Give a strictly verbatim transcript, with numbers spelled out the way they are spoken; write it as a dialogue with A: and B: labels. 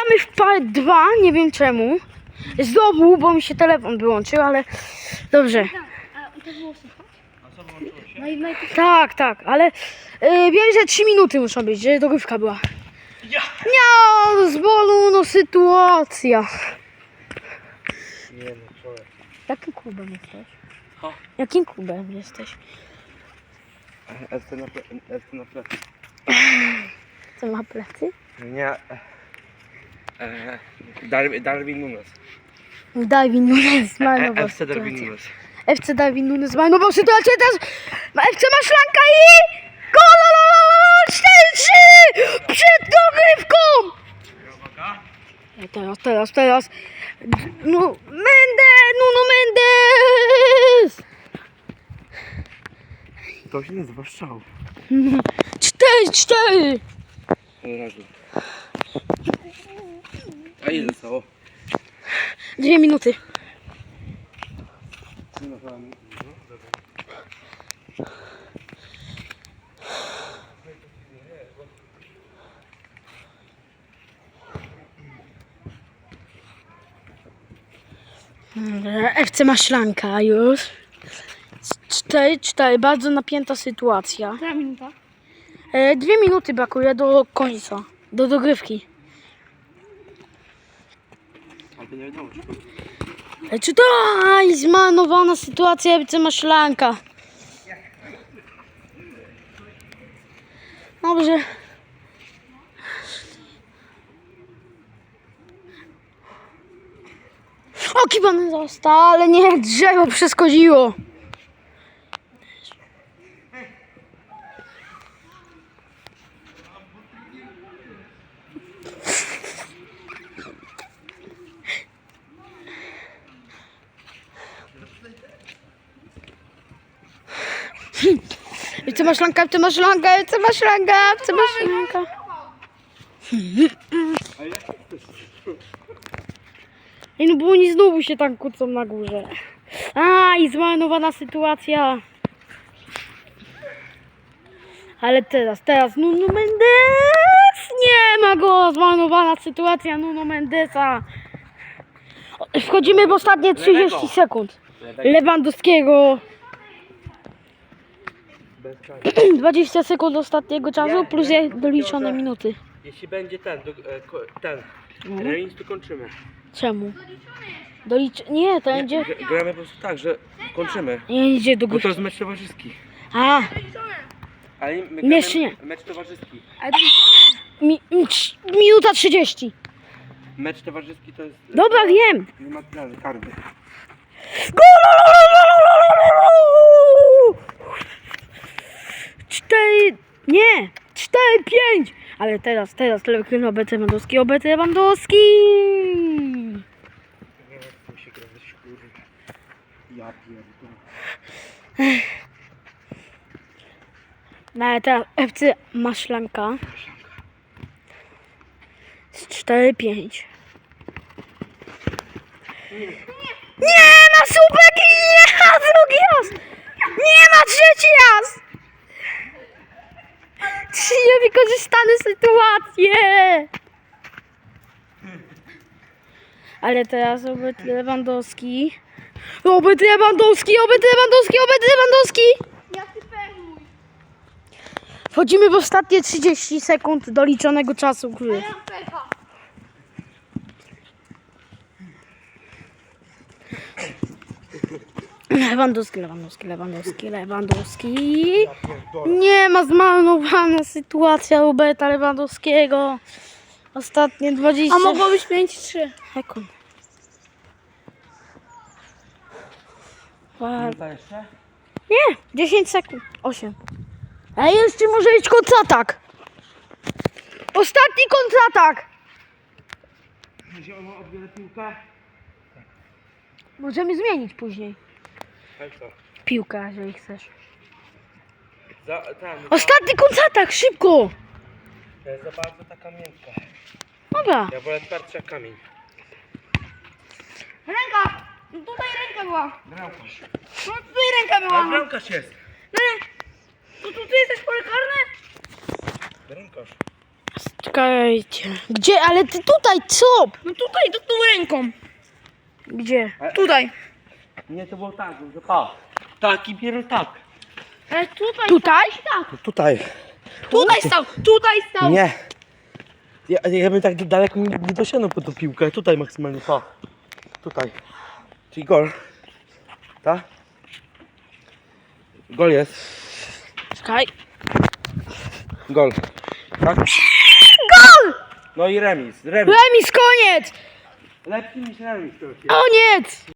A: Gramy w part dwa, nie wiem czemu. Znowu, bo mi się telefon wyłączył, ale dobrze.
B: A to było słychać?
C: A co wyłączyło się?
B: No i najpierw...
A: Tak, tak, ale y, wiem, że trzy minuty muszą być, że dogrywka była.
C: Ja!
A: Nie, z bolu, no sytuacja.
C: Nie no, człowiek.
A: Jakim klubem jesteś?
C: O.
A: Jakim klubem jesteś?
C: F C na, ple- F C na plecy.
A: Co ma plecy?
C: Nie. E, Darwin, Darwin Nunes.
A: Darwin Nunes
C: E,
A: zmarnował
C: F C Darwin
A: sytuację.
C: Nunes.
A: F C Darwin Nunes zmarnował sytuację, teraz F C ma szlanka i... Gol! cztery trzy! Przed dogrywką! Teraz, teraz, teraz. No, Mendes! Nuno Mendes!
C: To się nazywa strzał.
A: cztery cztery!
C: Od razu. A ile zostało?
A: Dwie minuty.
C: No, dobra.
A: F C ma szlanka już. cztery cztery, bardzo napięta sytuacja.
B: Która minuta?
A: E, dwie minuty brakuje do końca, do dogrywki.
C: Ale to nie wiadomo, czy to...
A: E, czy to aj, zmarnowana sytuacja, F C ma szlanka. Dobrze. O, kibany został, ale nie, drzewo przeskodziło. Ty masz szlankę, ty masz szlankę, ty masz szlankę, ty masz szlankę. Ej, no bo oni znowu się tam kłócą na górze. A, i zmarnowana sytuacja. Ale teraz, teraz Nuno Mendes! Nie ma go! Zmarnowana sytuacja Nuno Mendesa. Wchodzimy w ostatnie trzydzieści sekund. Lewandowskiego.
C: Bez czasu.
A: dwadzieścia sekund ostatniego czasu plus je doliczone minuty.
C: Jeśli będzie ten, do, e, ko, ten
A: Mhm.
C: remis, to kończymy.
A: Czemu? Dolicz... Nie, to
C: Nie,
A: będzie...
C: g- gramy po prostu tak, że kończymy.
A: Nie idzie do
C: Bo
A: góry.
C: to jest mecz towarzyski.
A: A,
C: Ale my
A: Nie, jeszcze nie.
C: mecz towarzyski.
B: Ale to
A: mi, mi, trz- minuta trzydzieści.
C: Mecz towarzyski to jest...
A: Dobra, wiem.
C: Nie ma tyle karny.
A: Cztery... Nie! Cztery, pięć! Ale teraz, teraz Leverkusen, obecny Lewandowski, obecny Lewandowski!
C: Nie chcę się grać, kurwa. Ja pierdolę.
A: No ale teraz F C ma szlanka. Z cztery, pięć. Nie ma słupek i nie ma drugi raz! Nie ma trzeci raz! Trzy niewykorzystane sytuacje! Ale teraz obecny Lewandowski. Obecny Lewandowski, obecny Lewandowski, obecny Lewandowski!
B: ja ty pechuj.
A: Wchodzimy w ostatnie trzydzieści sekund doliczonego czasu gry.
B: Ja pecha.
A: Lewandowski, Lewandowski, Lewandowski, Lewandowski. Nie ma, zmarnowana sytuacja Roberta Lewandowskiego. Ostatnie dwadzieścia
B: A mogło być pięć trzy.
A: sekund. Ła-
C: Minuta jeszcze?
A: Nie, dziesięć sekund. osiem. A jeszcze może być kontratak. Ostatni kontratak.
C: Jeśli on odbiera piłkę?
A: Możemy zmienić później
C: Tak co?
A: piłkę, jeżeli chcesz.
C: Za, ten,
A: Ostatni kontratak, szybko.
C: za, za bardzo taka miękka.
A: Dobra.
C: Ja wolę twardszy jak kamień.
B: Ręka! No tutaj ręka była.
C: Bramkarz.
B: No tutaj ręka była.
C: A
B: No,
C: bramkarz jest.
B: no, to tu ty jesteś pole karne?
C: Bramkarz.
A: Czekaj. Czekajcie. Gdzie? Ale ty tutaj, co?
B: No tutaj, do tą ręką.
A: Gdzie?
B: Tutaj.
C: Nie, to było tak, że pa. Tak i biorę tak.
B: Ale tutaj.
A: Tutaj?
C: No tutaj.
B: Tutaj stał, tutaj stał.
C: Nie. Ja, ja bym tak daleko nie, nie dosięgnął po tą piłkę. Tutaj maksymalnie, pa. Tutaj. Czyli gol. Tak? Gol jest.
A: Czekaj.
C: Gol. Tak?
A: Gol!
C: No i remis. Remis.
A: Remis, koniec!
C: Lepszy niż remis. To się.
A: Koniec!